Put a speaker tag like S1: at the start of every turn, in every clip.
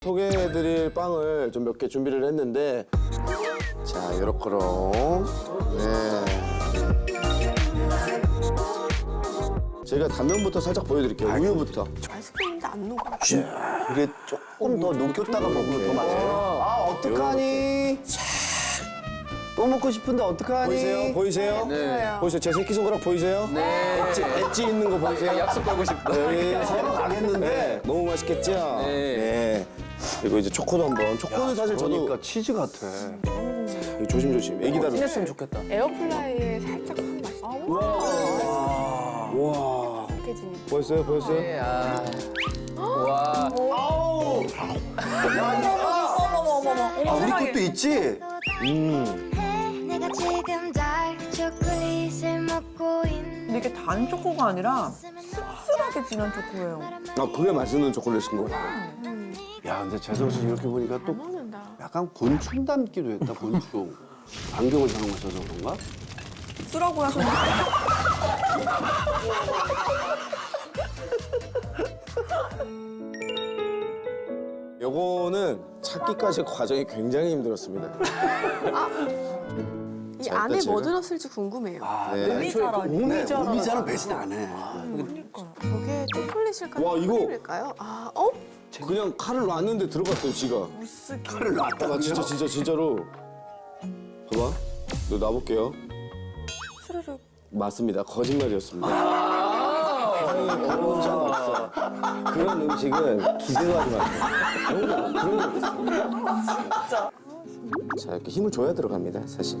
S1: 소개해드릴 빵을 좀 몇 개 준비를 했는데, 자, 요렇게로. 네. 제가 단면부터 살짝 보여드릴게요. 우유부터.
S2: 아이스크림인데 안 녹아.
S3: 이게 조금 더 녹였다가 먹으면 더 맛있어요. 아, 어떡하니? 또 먹고 싶은데 어떡하니?
S1: 보이세요? 보이세요?
S2: 네.
S1: 보이세요? 제 새끼손가락 보이세요?
S4: 네.
S1: 엣지 있는 거 보이세요?
S4: 약속 가고 싶다.
S1: 네.
S3: 서로 가겠는데.
S1: 네. 너무 맛있겠죠?
S4: 네.
S1: 그리고 이제 초코도 한번. 초코는 사실 저도
S3: 그러니까 치즈 같아.
S1: 이거 조심조심. 애기다루.
S4: 친했으면 좋겠다.
S2: 에어플라이에 살짝 한 맛이
S1: 와.
S2: 깨지니.
S1: 보였어요? 보였어요?
S4: 네, 아. 와.
S3: 아, 우리 것도 있지?
S5: 내가 지금 달 초콜릿을 먹고 있는
S6: 근데 이게 단 초코가 아니라 씁쓸하게 진한 초코예요.
S1: 아, 그게 맛있는 초콜릿인 거 같아요.
S3: 야, 근데 재성 씨 이렇게 보니까 또
S2: 먹는다.
S3: 약간 곤충 닮기도 했다, 곤충. 안경을 잘 못 써서 그런가?
S6: 쓰라고 하셔서
S1: 요거는 찾기까지 과정이 굉장히 힘들었습니다.
S2: 이
S1: 자,
S2: 안에
S1: 일단
S2: 뭐
S1: 제가-
S2: 들었을지 궁금해요.
S1: 네.
S3: 오미자는 배신 안 해.
S2: 저게 초콜릿일까요?
S1: 와, 이거-
S2: 크림일까요? 아, 어?
S1: 그냥 칼을 놨는데 들어갔어요, 지가.
S3: 칼을 놨다.
S1: 아, 진짜로. 봐봐. 너 놔볼게요.
S6: 스르륵.
S1: 맞습니다. 거짓말이었습니다. 향이 그런 적 없어. 그런 음식은 기대하지 마세요. 그런 적 있어. 자, 이렇게 힘을 줘야 들어갑니다, 사실.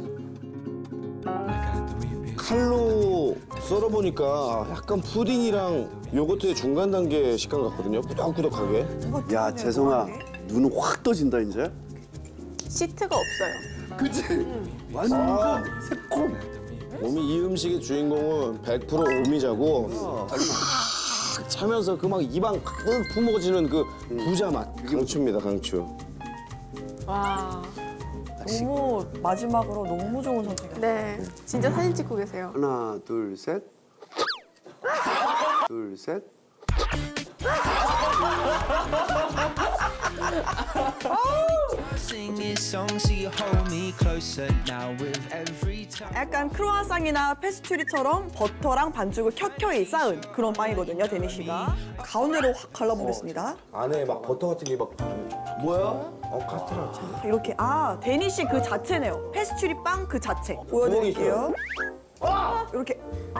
S1: 칼로 썰어보니까 약간 푸딩이랑 요거트의 중간 단계 식감 같거든요. 꾸덕꾸덕하게.
S3: 야, 재성아, 눈은 확 떠진다, 이제.
S2: 시트가 없어요.
S3: 그치? 완전 새콤.
S1: 이 음식의 주인공은 100% 오미자고 차면서 그 막 입안 가득 품어지는 그 부자 맛. 강추입니다, 강추.
S2: 와.
S6: 너무 마지막으로 너무 좋은 선택이에요.
S2: 네. 진짜 사진 찍고 계세요.
S3: 하나, 둘, 셋. 둘, 셋.
S7: Sing this song so you hold me closer now with every time.
S6: 약간 크루아상이나 페스츄리처럼 버터랑 반죽을 켜켜이 쌓은 그런 빵이거든요, 데니 씨가. 가운데로 확 갈라보겠습니다.
S1: 안에 막 버터 같은 게 막
S3: 뭐야?
S1: 카스테라 같은데?
S6: 이렇게 데니 씨 그 자체네요. 페스츄리 빵 그 자체. 보여드릴게요. 이렇게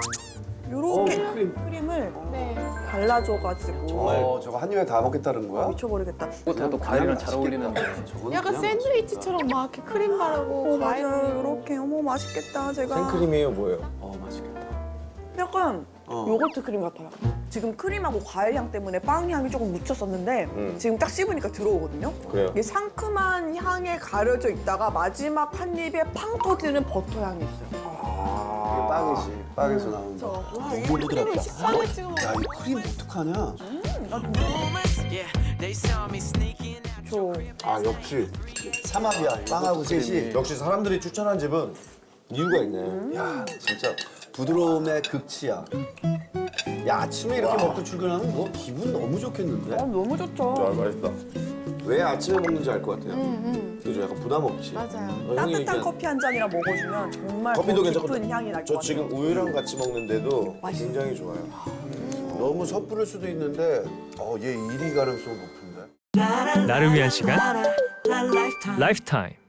S6: 크림을
S2: 네.
S6: 발라줘가지고
S3: 저거 한 입에 다 먹겠다는 거야?
S6: 미쳐버리겠다.
S4: 꽃에도 과일이랑 잘 어울리는데.
S3: 저건
S2: 약간
S3: 그냥
S2: 샌드위치처럼 막 이렇게 크림 바르고 과일.
S6: 맞아요. 이렇게 어머 맛있겠다. 제가
S1: 생크림이에요, 뭐예요?
S3: 맛있겠다.
S6: 약간 요거트 크림 같아요. 지금 크림하고 과일 향 때문에 빵 향이 조금 묻혔었는데 지금 딱 씹으니까 들어오거든요.
S1: 그래요?
S6: 이게 상큼한 향에 가려져 있다가 마지막 한 입에 팡 터지는 버터 향이 있어요.
S3: 이게 빵이지. 빵에서 나오는 거.
S2: 와, 이 크림을 식빵에 찍어 먹어.
S3: 야, 이 크림 어떡하냐?
S7: Yeah, they saw me sneaking out.
S3: 아, 역시 삼합이야. 빵하고 셋이.
S1: 역시 사람들이 추천한 집은 이유가 있네.
S3: 야, 진짜 부드러움의 극치야. 야, 아침에 이렇게 먹고 출근하면 뭐 기분 너무 좋겠는데?
S6: 너무 좋죠.
S1: 맛있다. 왜 아침에 먹는지 알 것 같아요. 그죠? 약간 부담 없지.
S2: 맞아요.
S1: 형이
S6: 따뜻한
S1: 얘기한
S6: 커피 한 잔이랑 먹어주면 정말
S1: 커피도
S6: 더
S1: 괜찮고
S6: 깊은 향이 날 것
S1: 저
S6: 같아요.
S1: 지금 우유랑 같이 먹는데도
S6: 맛있어요.
S1: 굉장히 좋아요.
S3: 너무 섣부를 수도 있는데 얘 1위 가능성 높은데?
S8: 나를 위한 시간 라이프타임